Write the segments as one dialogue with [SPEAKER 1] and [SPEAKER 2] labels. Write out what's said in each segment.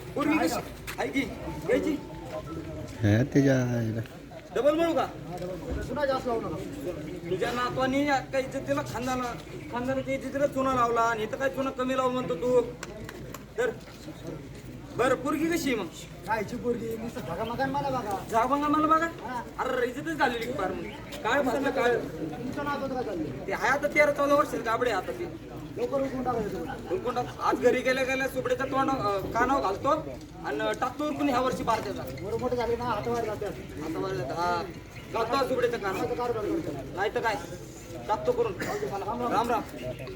[SPEAKER 1] पूर्वी कशी आहे की घ्यायची
[SPEAKER 2] हा त्याच्या आईला.
[SPEAKER 1] डबल म्हणू का
[SPEAKER 3] पुन्हा जास्त लावू नका.
[SPEAKER 1] तुझ्या नातवानी काही इज्जतीला खानदानाच्या इज्जतीला चुना लावला आणि इथं काय चुना कमी लावू म्हणतो तू तर बरं पोरगी कशी आहे मग
[SPEAKER 3] कायची पोरगी नुसतं बघा मकान मला बघा.
[SPEAKER 1] जा बघा मला बघा अरे इज्जतच झालेली की फार मग काय भासलं काय
[SPEAKER 3] तुमचं नाव होतं का चाललं
[SPEAKER 1] ते आहे आता 13-14 वर्ष गाबडे आता ते
[SPEAKER 3] लवकर उठून टाकायचं.
[SPEAKER 1] उरकून टाक. आज घरी गेल्या गेल्या सुपड्याचं तोंड कानावर घालतो आणि टाकतो उरकून ह्या वर्षी पार त्याचा
[SPEAKER 3] बरं मोठे झाले ना हातावर जातात.
[SPEAKER 1] आता बरं हा घालतो सुपड्याचं कानावर
[SPEAKER 3] कार करतो.
[SPEAKER 1] नाही तर काय टाकतो करून राम राम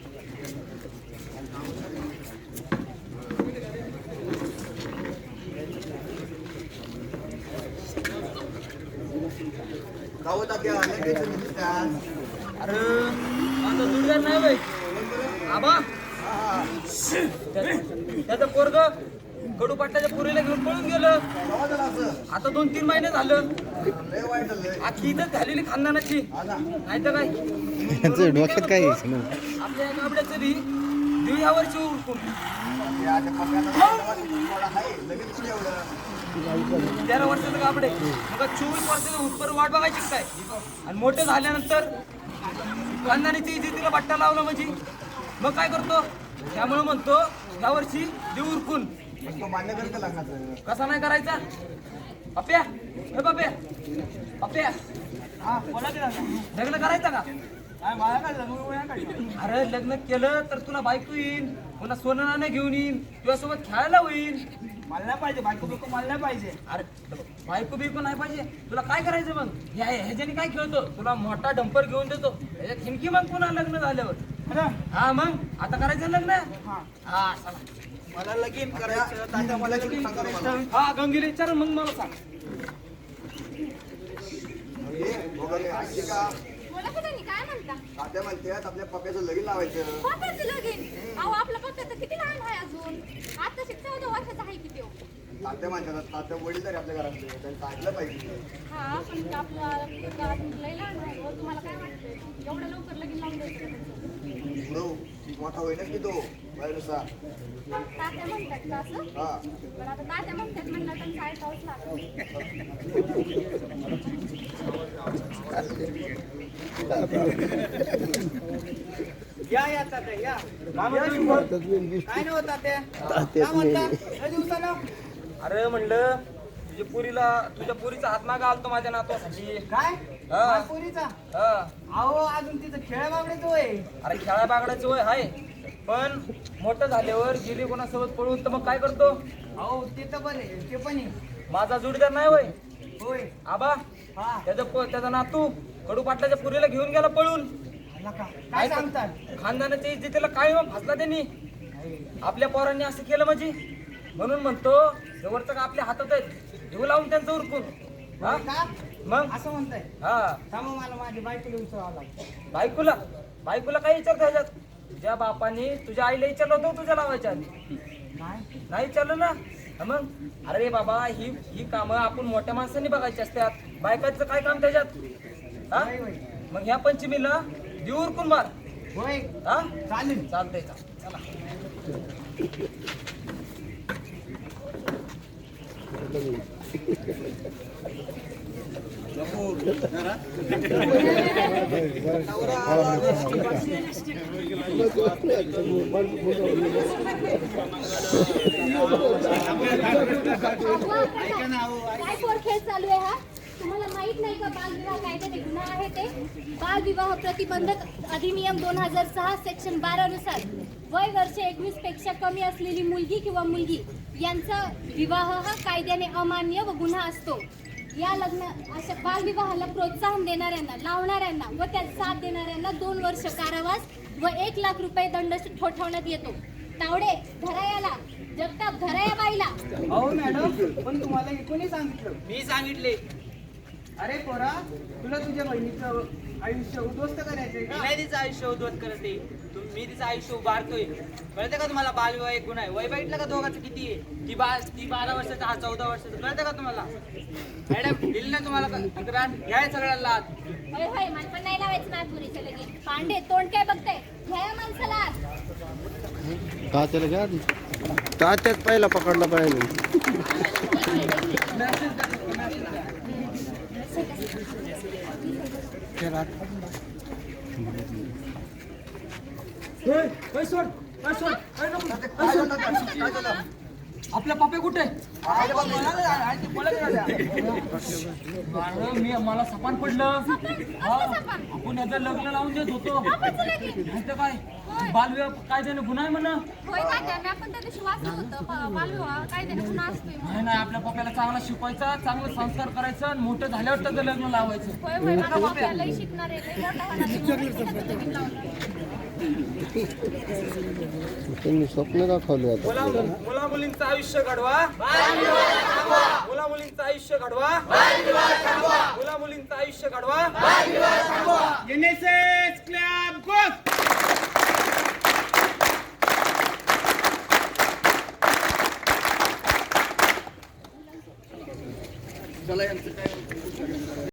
[SPEAKER 1] अरे माझा जोडीदार नाही बाई आबा त्याचं पोरग कडू पाटलाच्या पुरीला घेऊन पळून गेलं आता 2-3 महिने झालं आखी इथं झालेली खानदानाची नाही तर काय
[SPEAKER 2] त्यांचं डोक्यात काय यायचं ना.
[SPEAKER 1] आपल्या गाबड्याचं बी देऊ या वर्षी उरकून 13 वर्षाचं गाबडे मग 24 वर्षाचं उत्तर वाट बघायची काय आणि मोठे झाल्यानंतर खानदानीची इज्जतीला बट्टा लावला म्हणजे मग काय करतो त्यामुळे म्हणतो या वर्षी देऊ उरकून कसा नाही करायचा पप्या ए पप्या पप्या
[SPEAKER 3] हा बोला की
[SPEAKER 1] लग्न करायचं का
[SPEAKER 3] काय मला काय लग्न
[SPEAKER 1] अरे लग्न केलं तर तुला बायको येईल पुन्हा सोनं नाणं घेऊन येईल तुझ्यासोबत खेळायला होईल
[SPEAKER 3] मला नाही पाहिजे बायको बिको मला नाही पाहिजे.
[SPEAKER 1] अरे बायको बिको नाही पाहिजे तुला काय करायचं मग ह्याच्याने काय खेळतो तुला मोठा डंपर घेऊन देतो ह्याच्यात हिमकी मग पुन्हा लग्न झाल्यावर हा मग आता करायचं लग्न हा चला
[SPEAKER 3] मला लगीन करायचं तात्या मला
[SPEAKER 1] हा गंगीला विचार मग मला सांग
[SPEAKER 4] बोला की त्यांनी काय म्हणता
[SPEAKER 5] तात्या म्हणतात आपल्या पप्प्याचं लगीन लावायचं.
[SPEAKER 4] पप्पाचं लगीन अहो आपला पप्पा तर किती लहान आहे अजून आता 14 वर्षाचा आहे किती हो
[SPEAKER 5] तात्या म्हणतात तात्या वडील तरी आपल्या घरातले त्यांचं ऐकलं पाहिजे.
[SPEAKER 4] हा पण ते आपला घरात लई लहान आहे हो तुम्हाला काय वाटतंय एवढं लवकर लगीन लावून द्यायचं का त्याचं?
[SPEAKER 5] पुढं मोठा होईनच की तो वयानुसार.
[SPEAKER 4] तात्या म्हणतात का असं
[SPEAKER 5] हा
[SPEAKER 4] पण आता तात्या म्हणतात म्हणलं तर ऐकावंच लागतं
[SPEAKER 3] या तात्या या काय नाही होत तात्या काय म्हणता लय दिवसाला
[SPEAKER 1] अरे म्हणलं तुझ्या पुरीचा हात मागा आलतो माझ्या नातवासाठी
[SPEAKER 3] काय
[SPEAKER 1] हा.
[SPEAKER 3] माझ्या पोरीचा
[SPEAKER 1] हा
[SPEAKER 3] अहो अजून तिचं खेळ बाबडे तो आहे.
[SPEAKER 1] अरे खेळा बागडाची वय आहे पण मोठं झाल्यावर गेली कोणासोबत पळून तर मग काय करतो
[SPEAKER 3] अहो ते तर बरे ते पण आहे.
[SPEAKER 1] माझा जोडीदार नाही वय
[SPEAKER 3] होय
[SPEAKER 1] आबा
[SPEAKER 3] हा
[SPEAKER 1] त्याचा नातू कडू पाटलाच्या पुरीला घेऊन गेला पळून
[SPEAKER 3] नका काय सांगतात
[SPEAKER 1] खानदानाच्या इज्जतीला काय मग फसला त्यांनी आपल्या पोरांनी असं केलं म्हणजे म्हणून म्हणतो जवळचं का आपल्या हातात आहेत घेऊ लावून त्यांचं उरकून हा
[SPEAKER 3] का
[SPEAKER 1] मग
[SPEAKER 3] असं म्हणताय
[SPEAKER 1] हा
[SPEAKER 3] थांबा मला माझी बायकोला विचारावं लागतं.
[SPEAKER 1] बायकोला काय विचारतो ह्याच्यात तुझ्या बापाने तुझ्या आईला विचारलं होतं तुझ्या लावायच्या आधी
[SPEAKER 3] काय
[SPEAKER 1] नाही विचारलं ना हा मग अरे बाबा ही कामं आपण मोठ्या माणसांनी बघायची असतात बायकाचं काय काम त्याच्यात हा
[SPEAKER 3] होय, होय.
[SPEAKER 1] मग ह्या पंचमीला देऊ उरकून मार
[SPEAKER 3] होय
[SPEAKER 1] हा
[SPEAKER 3] चालेल
[SPEAKER 1] चालतंय चला
[SPEAKER 4] काय पोर खेळ चालू आहे हा तुम्हाला माहित नाही का बालविवाह कायद्याने गुन्हा आहे ते बालविवाह प्रतिबंधक अधिनियम 2006 सेक्शन 12 नुसार वय वर्ष 21 पेक्षा कमी असलेली मुलगी किंवा मुलगी यांचा विवाह हा कायद्याने अमान्य व गुन्हा असतो. या अशा बालविवाहाला प्रोत्साहन देणाऱ्यांना लावणाऱ्यांना व त्यात साथ देणाऱ्यांना 2 वर्ष कारावास व 1 लाख रुपये दंड ठोठावण्यात येतो. तावडे धरायाला जगताप धराया बाईला.
[SPEAKER 3] हो मॅडम पण तुम्हाला हे कोणी सांगितलं.
[SPEAKER 1] मी सांगितले
[SPEAKER 3] अरे पोरा तुला तुझ्या बहिणीचं आयुष्य उद्ध्वस्त करायचंय का.
[SPEAKER 1] नाही तिचं आयुष्य उद्ध्वस्त करते मी तिचं आयुष्य उभारतोय कळतं का तुम्हाला बालविवाह एक गुन्हा आहे वय बघितलं का दोघांचं किती आहे ती 12 वर्षाचा हा 14 वर्षाचा कळतं का तुम्हाला मॅडम दिली ना तुम्हाला तक्रार घ्याय सगळ्याला लाद
[SPEAKER 4] होय होय मला पण नाही लावायचं नागपुरीच्या लगीन. पांडे तोंड काय बघताय घ्या या माणसाला आत.
[SPEAKER 2] का त्याला घ्या तात्याच पहिला पकडला पाहिजे.
[SPEAKER 1] आपल्या पप्पे कुठे मला सपान पडलं हा, आपण याचं लग्न लावून देत होतो माहिती काय बालविवाह कायद्याने गुन्हा आहे म्हणा.
[SPEAKER 4] होय तात्या, मी आपण त्या दिवशी वाचलं होतं बालविवाह कायद्याने गुन्हा असतोय.
[SPEAKER 1] नाही नाही आपल्या पप्याला चांगला शिकवायचा, चांगलं संस्कार करायचं आणि मोठं झाल्यावर त्याचं लग्न लावायचं.
[SPEAKER 4] होय होय, माझा पप्पा लई शिकणार आहे, लई मोठा होणार आहे. त्याचं लगीन लावणार.
[SPEAKER 2] त्यांनी स्वप्न दाखवले आता.
[SPEAKER 1] मुला मुलींचं आयुष्य घडवा, मुला मुलींचं आयुष्य घडवा, मुला मुलींचं आयुष्य घडवा.
[SPEAKER 3] NSS Club Goes!
[SPEAKER 5] चला यांचं काय